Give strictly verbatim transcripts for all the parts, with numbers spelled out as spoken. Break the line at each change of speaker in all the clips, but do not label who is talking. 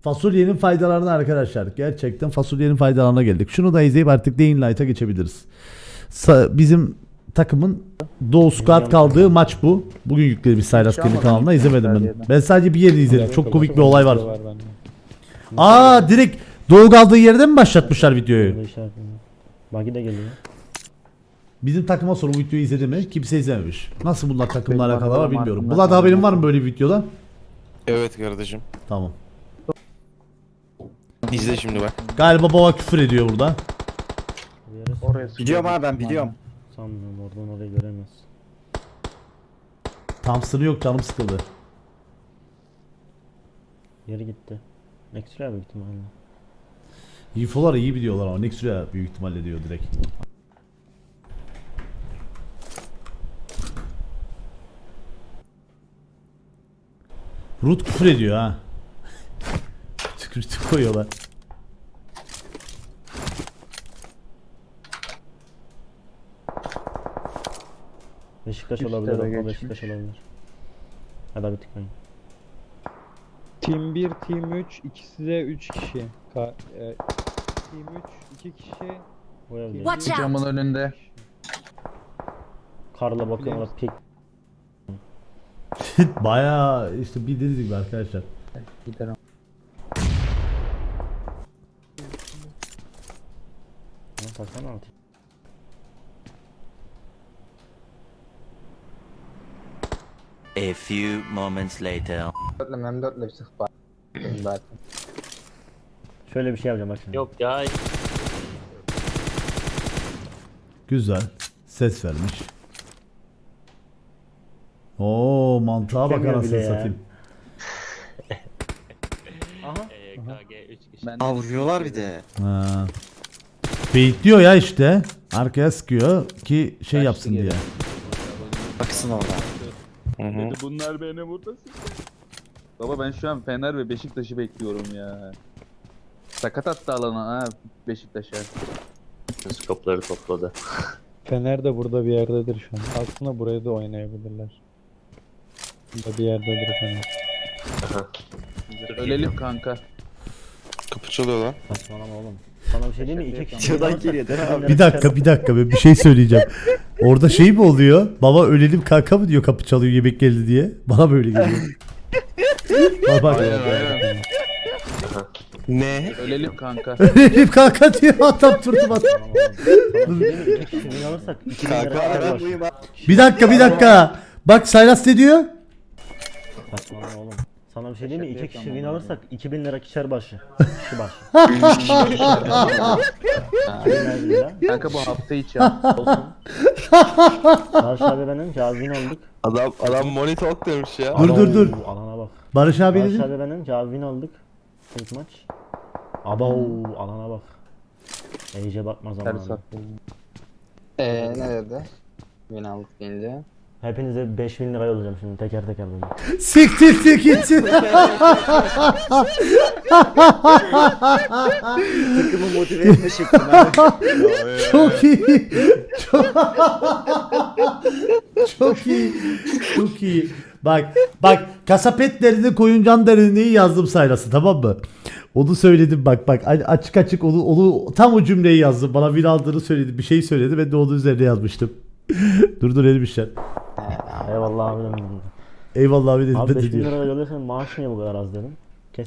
Fasulyenin faydalarına arkadaşlar. Gerçekten fasulyenin faydalarına geldik. Şunu da izleyip artık Dying Light'a geçebiliriz. Sa- bizim takımın Doğu Squad kaldığı maç bu. Bugün yükledi bir Saylas kendi kanalına, izlemedim ben. Ben sadece bir yerini izledim. Çok komik bir olay var. Aa, direkt Doğu kaldığı yerden mi başlatmışlar videoyu?
Bagi de geliyor.
Bizim takıma sonra bu videoyu izledi mi? Kimse izlememiş. Nasıl bunlar takımla alakalı var bilmiyorum. Bulat haberin var mı böyle bir videodan?
Evet kardeşim.
Tamam.
İzle şimdi bak.
Galiba baba küfür ediyor burada.
Biliyorum abi, ben biliyorum.
Sanmıyorum, oradan orayı göremez.
Thompson'ı yok, canım sıkıldı.
Yeri gitti. Next'e büyük ihtimalle.
Infolar iyi biliyorlar ama Nexus'a büyük ihtimalle diyor direkt. Root küfür ediyor ha. Tükürtü koyuyorlar.
Beşiktaş
Üstte
olabilir,
de
o
geçmiş.
Beşiktaş olabilir. Hadi bir tıklayın.
Team bir, Team üç, ikisi de üç kişi. Ka e, Team üç, iki kişi.
Bu evde.
Watch out!
Camın önünde.
Karla bakıyorum, orada pik.
Bayağı işte bildiğiniz gibi arkadaşlar.
Giderim.
Lan baksana altı.
A few moments later.
Dörtlüm hem dörtlü bir sık var. Zaten.
Şöyle bir şey yapacağım bak şimdi.
Yok ya.
Güzel. Ses vermiş. Oo, mantığa bak
Demiyor
anasını
bile ya.
satayım.
Aha.
E, K G üç kişi.
Ben
Aa, vuruyorlar bir de.
Ha. Baitliyor ya işte. Arkaya sıkıyor ki şey yapsın diye.
Baksın orada.
Hı hı.
Dedi bunlar beni burada sıktı. Baba ben şu an Fener ve Beşiktaş'ı bekliyorum ya. Sakat attı alana ha Beşiktaş'a.
Skopları topladı.
Fener de burada bir yerdedir şu an. Aslında buraya da oynayabilirler. Burada bir yerdedir Fener.
Ölelim kanka.
Kapı çalıyor lan.
Saçmalama oğlum. Sana bir şey diyeyim mi? İki kişi.
Şuradan geliyor, değil mi abi?
Bir dakika bir dakika ben bir şey söyleyeceğim. Orada şey mi oluyor? Baba ölelim kanka mı diyor, kapı çalıyor yemek geldi diye. Bana böyle geliyor. Bak bak.
Aynen aynen.
Ne?
Ölelim kanka.
Ölelim kanka diyor, adam turtum at.
Saçmalama oğlum. Sana bir şey diyeyim mi? İki kişi win alırsak iki bin lira
Kanka
para
aram
var.
buyum abi.
Bir dakika bir dakika. Bak Saylas ne diyor?
Saçmalama oğlum. Sana bir şey diyeyim mi? İki kişi win alırsak iki bin lira kişer başı. Kişi başı. iki bin lira.
Kanka bu hafta içi ya.
Olsun. Barış abi benim cevap win aldık.
Adam adam monitör demiş ya.
Dur, dur, dur.
Abo, alana bak.
Barış abi
Barış
dedi.
abi benim cevap win aldık. İlk maç. Aba alana bak. İyice bakma zamanı.
Eee ne dedi? Beni aldık deyince.
Hepinize beş bin lira yollayacağım şimdi teker teker böyle.
Siktir siktir gitsin.
Takımı motive etme şeklim abi.
Çok iyi. Çok, çok iyi. Çok iyi. Bak bak kasap etlerini koyun can derinliği yazdım Saylas'a, tamam mı? Onu söyledim bak bak açık açık onu, onu tam o cümleyi yazdım. Bana bir aldığını söyledi, bir şey söyledi, ben de onun üzerine yazmıştım. dur dur elim işler.
Eyvallah abi dedim.
Eyvallah abi dedim.
Abi
ben de
beş bin
diyor.
lira yolluyorsan maaş niye bu kadar az dedim. Kes.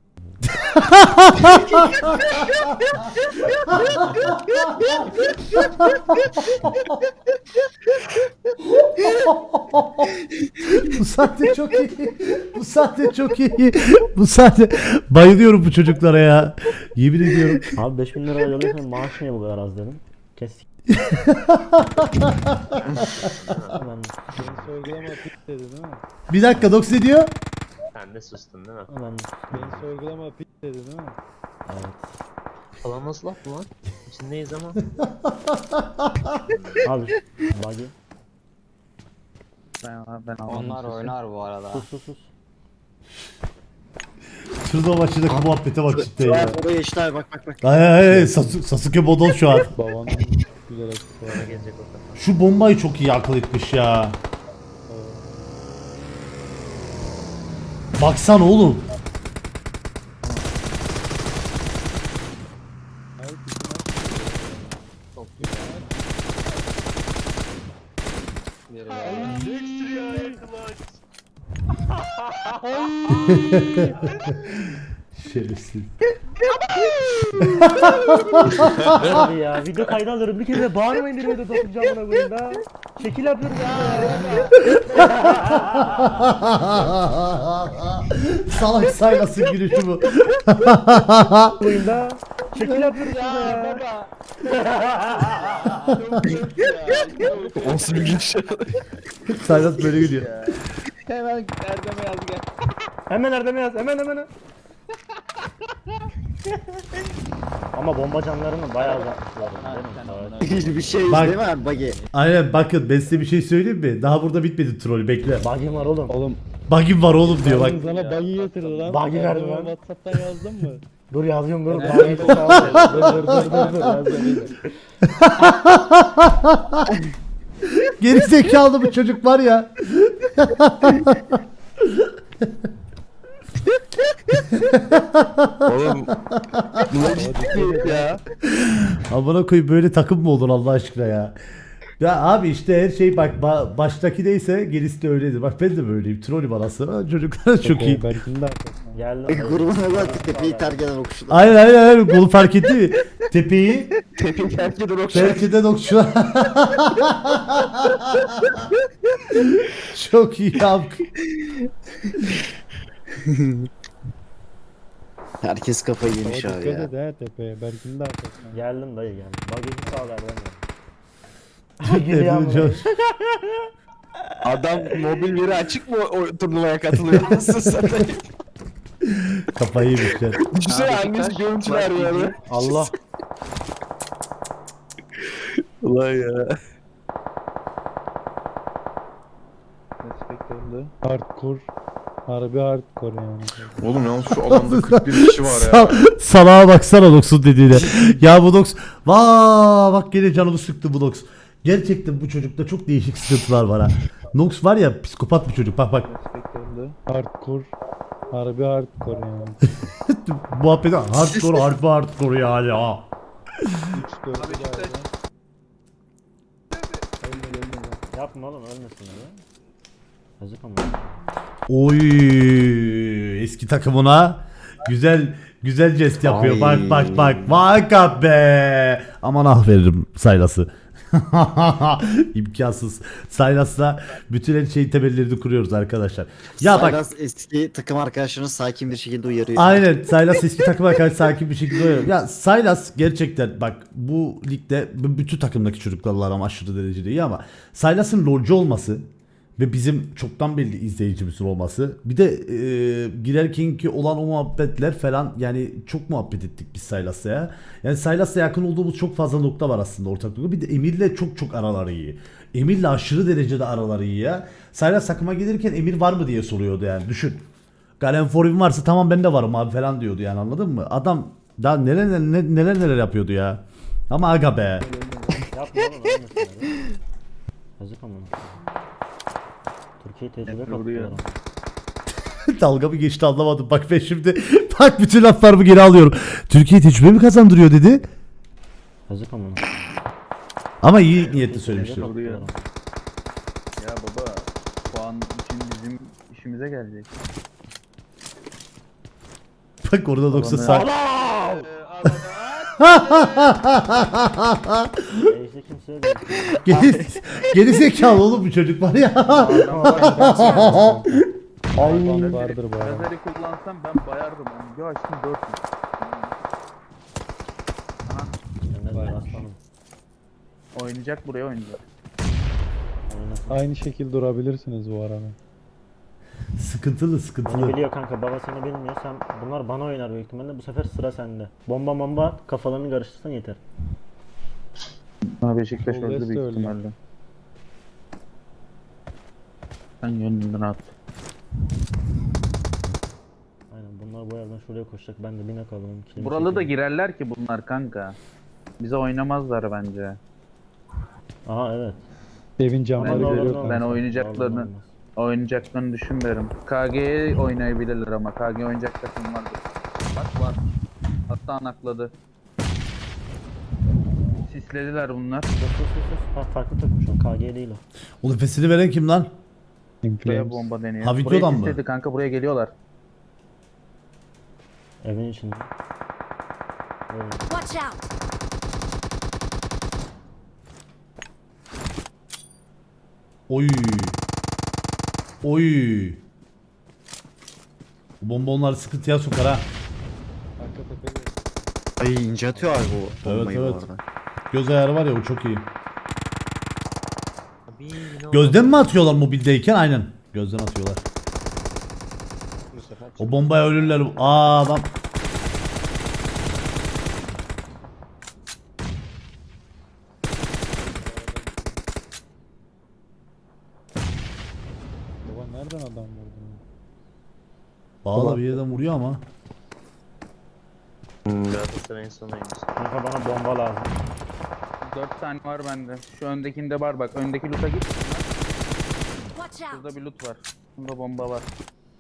Bu sahne çok iyi. Bu sahne çok iyi. Bu sahne bayılıyorum bu çocuklara ya. Yemin ediyorum.
Abi beş bin lira yolluyorsan maaş niye bu kadar az dedim. Kes. Ben
Beni sorgulama pik dedi değil mi?
Bir dakika Dox ne diyor?
Sen de sustun değil mi?
ben
Beni sorgulama pik dedi değil mi?
evet.
Falan nasıl laf bu lan? İçindeyiz ama.
Abi buggy.
Ben, ben Onlar oynar bu arada.
Sus sus sus.
Şurada başındaki muhabbete bak cidden ya.
Oraya işte abi, bak bak bak.
Ay ay ay Sas- Sasuke Bodon şu an.
Babanın güzel açısı var.
Gelecek o kafa.
Şu bombayı çok iyi akıl etmiş ya. Baksana oğlum. Şerefsiz.
Abi ya video kaydı alırım bir kere de bağırmayın bir de dokunacağım buna koyayım da. Şekil yapıyorum ya.
Salak saylasın gülüşü bu.
Koyayım da. Şekil yapıyoruz ya.
Olsun bir gülüş.
Saylas böyle gülüyor.
Hemen Erdem'e yaz gel.
Hemen Erdem'e yaz hemen hemen. Ama bomba canlarını bayağı azaltmışlar. değil mi?
Hiçbir şey
Bak.
değil mi abi buggy?
Aynen bakın ben size bir şey söyleyeyim mi? Daha burada bitmedi troll bekle.
Bug'im var oğlum.
Oğlum
Bug'im var oğlum diyor bak.
ben sana buggy getirdi lan.
Buggy verdi
Erdem'e
lan.
Whatsapp'tan yazdın mı?
Dur yazıyorum dur.
Ben-
Bug'im çok sağ
dur dur dur dur dur yazdım.
Geri zekalı bu çocuk var ya.
Oğlum. Bu ciddi ya.
Amına koyayım böyle takım mı olur Allah aşkına ya. Ya abi işte her şey bak ba- baştaki neyse gerisi de öyledir. Bak ben de böyleyim. Trollüm anasını. Çocuklar çok iyi.
Berk'in de arkasından.
Geldim.
Grubuna bak tepeyi terk eden okuşlar.
Aynen aynen aynen. Bunu fark etti mi? Tepeyi
Tepin terk eder okşar.
belki de dokçular. Çok iyi abi.
Herkes kafayı yemiş
Ama
abi
dikkat
ya.
et ha tepeye. Berk'in de arkasından.
Geldim dayı geldim. Bug'im sağ ver ben.
Hepimiz çok-
Adam mobil veri açık mı o turnuvaya katılıyor? Nasıl satayım?
Kafayı yemişler.
Düşünsene
Abi,
annesi
kaç
görüntü
var
veriyor
peki?
abi.
Allah.
Ulan ya.
Respekt öldü.
Hardcore. Harbi hardcore yani.
Oğlum yalnız şu alanda kırk bir kişi var ya.
Sal- Salağa baksana Nox'un dediğine. Ya bu Nox. Vaa bak gene canımı sıktı bu Nox. Gerçekten bu çocukta çok değişik sıkıntılar var ha. Nox var ya psikopat bir çocuk. Bak bak.
Respekt öldü.
Hardcore. Harbi hardcore yani.
Muhabbeti hardcore harbi hardcore yani ha.
üç dört
Abi Beşiktaş.
Yapma oğlum ölmesin öyle. Yazık ama.
Oy eski takımına güzel güzel jest yapıyor.
Ay.
Bak bak bak. Bak be. Aman ah veririm Saylas'ı. İmkansız. Saylas'la bütün her şeyin temellerini kuruyoruz arkadaşlar. Ya bak
Saylas eski takım arkadaşlarını sakin bir şekilde uyarıyor.
aynen Saylas eski takıma karşı sakin bir şekilde oynuyor. Ya Saylas gerçekten bak bu ligde b- bütün takımdaki çocuklarla aram aşırı derecede iyi ama Saylas'ın lolcu olması ve bizim çoktan belli izleyicimizin olması bir de e, girerkenki olan o muhabbetler falan yani çok muhabbet ettik biz Saylas'la ya. Yani Saylas'la yakın olduğumuz çok fazla nokta var aslında ortak nokta. Bir de Emir'le çok çok araları iyi. Emir'le aşırı derecede araları iyi ya. Saylas takıma gelirken Emir var mı diye soruyordu yani düşün. Galen Forum varsa tamam ben de varım abi falan diyordu yani anladın mı? Adam daha neler neler neler, neler yapıyordu ya. Ama aga be.
Yapma oğlum ölmesin öyle. Yazık ama. Türkiye tecrübe
vuruyor.
katlıyorum.
Dalga mı geçti anlamadım. Bak ben şimdi bak bütün laflarımı geri alıyorum. Türkiye tecrübe mi kazandırıyor dedi.
Yazık ama.
Ama iyi niyetli söylemiştir.
Vuruyor. Ya baba puan için bizim işimize gelecek.
Bak orada doksa
Alanı-
sağ.
Ejde kimseye değil.
Geri, geri zekalı oğlum bu çocuk var ya.
Band vardır bu arada.
Lazeri kullansam ben bayardım onu. Bir açtım dört mü?
Aslanım.
Oynayacak buraya oynayacak.
Oynasın.
Aynı şekilde durabilirsiniz bu arada.
Sıkıntılı
Beni
sıkıntılı.
biliyor kanka baba seni bilmiyor sen bunlar bana oynar büyük ihtimalle bu sefer sıra sende. Bomba bomba at, kafalarını karıştırsan yeter.
Ha Beşiktaş
Sol
öldü
West
büyük
öldü.
ihtimalle. Sen gönlünden at.
Aynen bunlar bu yerden şuraya koşacak ben de bine kalalım. kilimi
Buralı da
çekeyim.
girerler ki bunlar kanka. Bize oynamazlar bence.
Aha evet.
Evin camları
Ben-
görüyor
ben
kanka.
oyun- oynayacaklarını-
Olmaz.
Oynayacaklarını düşünmüyorum. K G'ye oynayabilirler ama K G oynayacak takım vardır. Bak var. Hatta nakladı. Sislediler bunlar.
Sus sus sus sus. Ha farklı takım şu an K G değil o.
O nefesini veren kim lan?
Buraya
Inflames.
bomba deniyor.
Ha,
buraya
videodan mı?
sisledi kanka buraya geliyorlar.
Evin içinde. Evet.
Watch out!
Oy. Oy. Bu bomba onları sıkıntıya sokar ha.
Arka tepede.
Ay ince atıyor abi bu
Evet,
bombayı bu
evet.
arada.
Göz ayarı var ya o çok iyi.
Abi yine o-
Gözden mi atıyorlar mobildeyken? Aynen. Gözden atıyorlar. O bombaya ölürler. Aa adam.
Baba nereden adam vurdun?
Bağla bir yerden vuruyor ama.
Hmm, Galatasaray'ın sonuymuş.
Kanka bana bomba lazım.
dört tane var bende. Şu öndekinde var bak. Öndeki loot'a git.
Watch out!
Burada bir loot var. Bunda bomba var.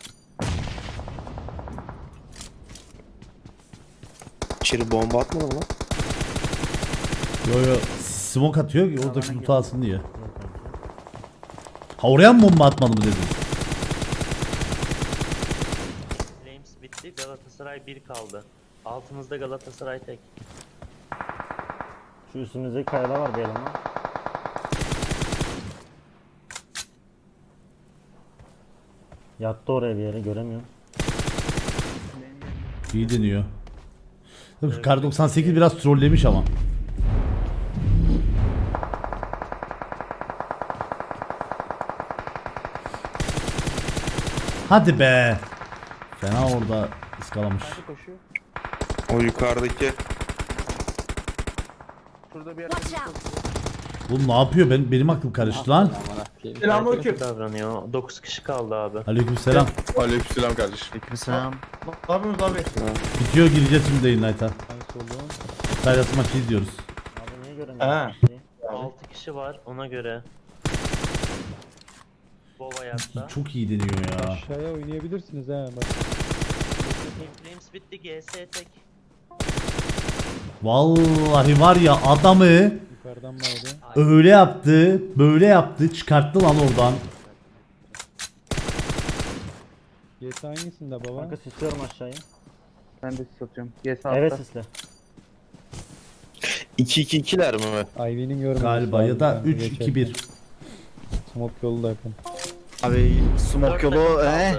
İçeri bomba atmadın mı lan?
Yo yo. Smoke atıyor ki oradaki loot'u alsın diye. Ha oraya mı bomba atmadı mı dedin?
Flames bitti. Galatasaray bir kaldı. Altımızda Galatasaray tek.
Şu üstümüzdeki kayada var bir eleman. Yattı oraya bir yere göremiyorum.
İyi deniyor. Tabii şu Kar doksan sekiz biraz trollemiş ama. Hadi be. Fena orada ıskalamış.
Nerede koşuyor?
O yukarıdaki.
Şurada bir yerde
Watch out!
Oğlum ne yapıyor? Ben, benim aklım karıştı lan.
Selamünaleyküm. Davranıyor. dokuz kişi kaldı abi.
Aleykümselam.
Aleykümselam kardeşim.
Aleykümselam.
Bitiyor gireceğiz şimdi Dayline'a.
En solun.
Sayrası maçı izliyoruz.
Abi niye göremiyorum?
Ha.
Şeyi?
altı kişi var ona göre. Bova yatta.
Çok iyi deniyor ya.
Aşağıya oynayabilirsiniz ha bak.
Flames bitti. G S tek.
Vallahi var ya adamı
Yukarıdan baydı.
öyle yaptı, böyle yaptı, çıkarttı lan oradan.
G S hangisinde baba?
Kanka sisliyorum aşağıya.
ben de satıyorum. Yes altta.
Evet sisle.
iki iki ikiler mi?
Ivy'nin görmesi
Galiba
lazım
ya da
kanka
üç iki bir.
geçerken. Smoke yolu da yakın.
Abi
Dört
smoke
takım
yolu
kaldı.
eh.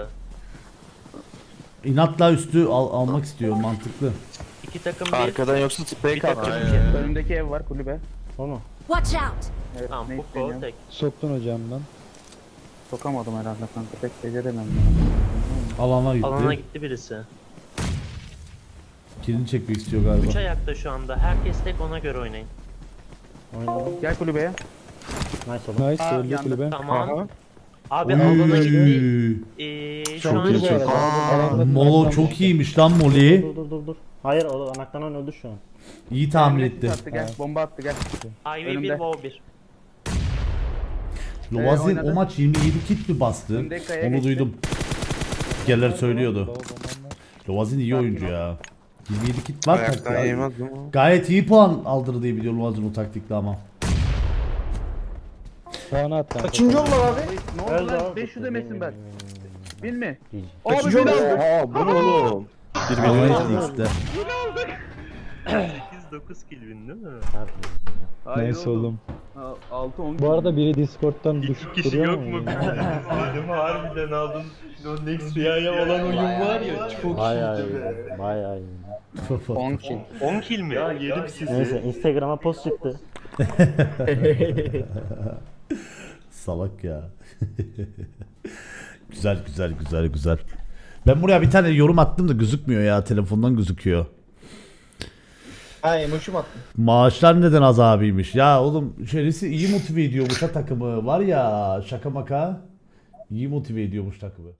İnatla üstü al- almak istiyor mantıklı.
İki takım bir.
Arkadan yoksa sprey
Bir
kalktı.
takım
Aynen.
iki.
Önündeki ev var kulübe.
O mu?
Watch out!
Evet,
Tamam
ne
bu kol
isteniyor?
tek.
Soktun hocamdan.
Sokamadım herhalde kanka. Pek beceremem.
Alana gitti.
Alana gitti birisi.
Kilini çekmek istiyor galiba.
Üç ayakta şu anda. Herkes tek ona göre oynayın.
Oynadım.
Gel kulübeye.
Nice oldu.
Nice
Aa,
öldü
yandı.
kulübe.
Tamam. Abi
Oy.
alana gitti. Ee, şu
Çok
an
iyi, çok iyi.
Alanda
Molo
naklan
çok
oldu.
iyiymiş lan Molly.
Dur dur dur dur. Hayır o anaktan öldü şu an.
İyi tahmin
Emre
etti.
Attı, gel. Bomba attı gel.
Ivy bir,
Önümde.
Wow bir.
Lovazin
oynadı.
o maç yirmi yedi kit mi bastı?
Önde kaya
Onu
geçti.
duydum. Geller söylüyordu.
Baba bombam var.
Lovazin iyi oyuncu ya. yirmi yedi kit var
Ayaktan
taktikte.
yemez mi?
Gayet iyi puan aldırdı diye biliyorum Lovazin o taktikle ama.
Puanı at kanka.
Kaçıncı oldu abi? Ne oldu
Öldü
lan?
o.
beş yüz demesin ben. Bin mi?
G G.
Abi bin aldım.
Aa bu ne oğlum?
Bir milyon X'de.
sekiz dokuz kill win değil mi?
Hayır
Neyse oğlum.
altı on.
Bu arada biri Discord'dan düşüp duruyor mu?
Dedim harbiden aldın. O Next Rüya'ya olan oyun var ya çok
Bayağı iyi. Bayağı iyi.
on kill.
on kill mi? Ya yedim sizi.
Neyse Instagram'a post çıktı.
Salak ya. Güzel güzel güzel güzel. Ben buraya bir tane yorum attım da gözükmüyor ya. Telefondan gözüküyor.
Ha emoji mi attın?
Maaşlar neden az abiymiş? Ya oğlum şerisi iyi motive ediyormuş ha takımı. Var ya şaka maka. İyi motive ediyormuş takımı.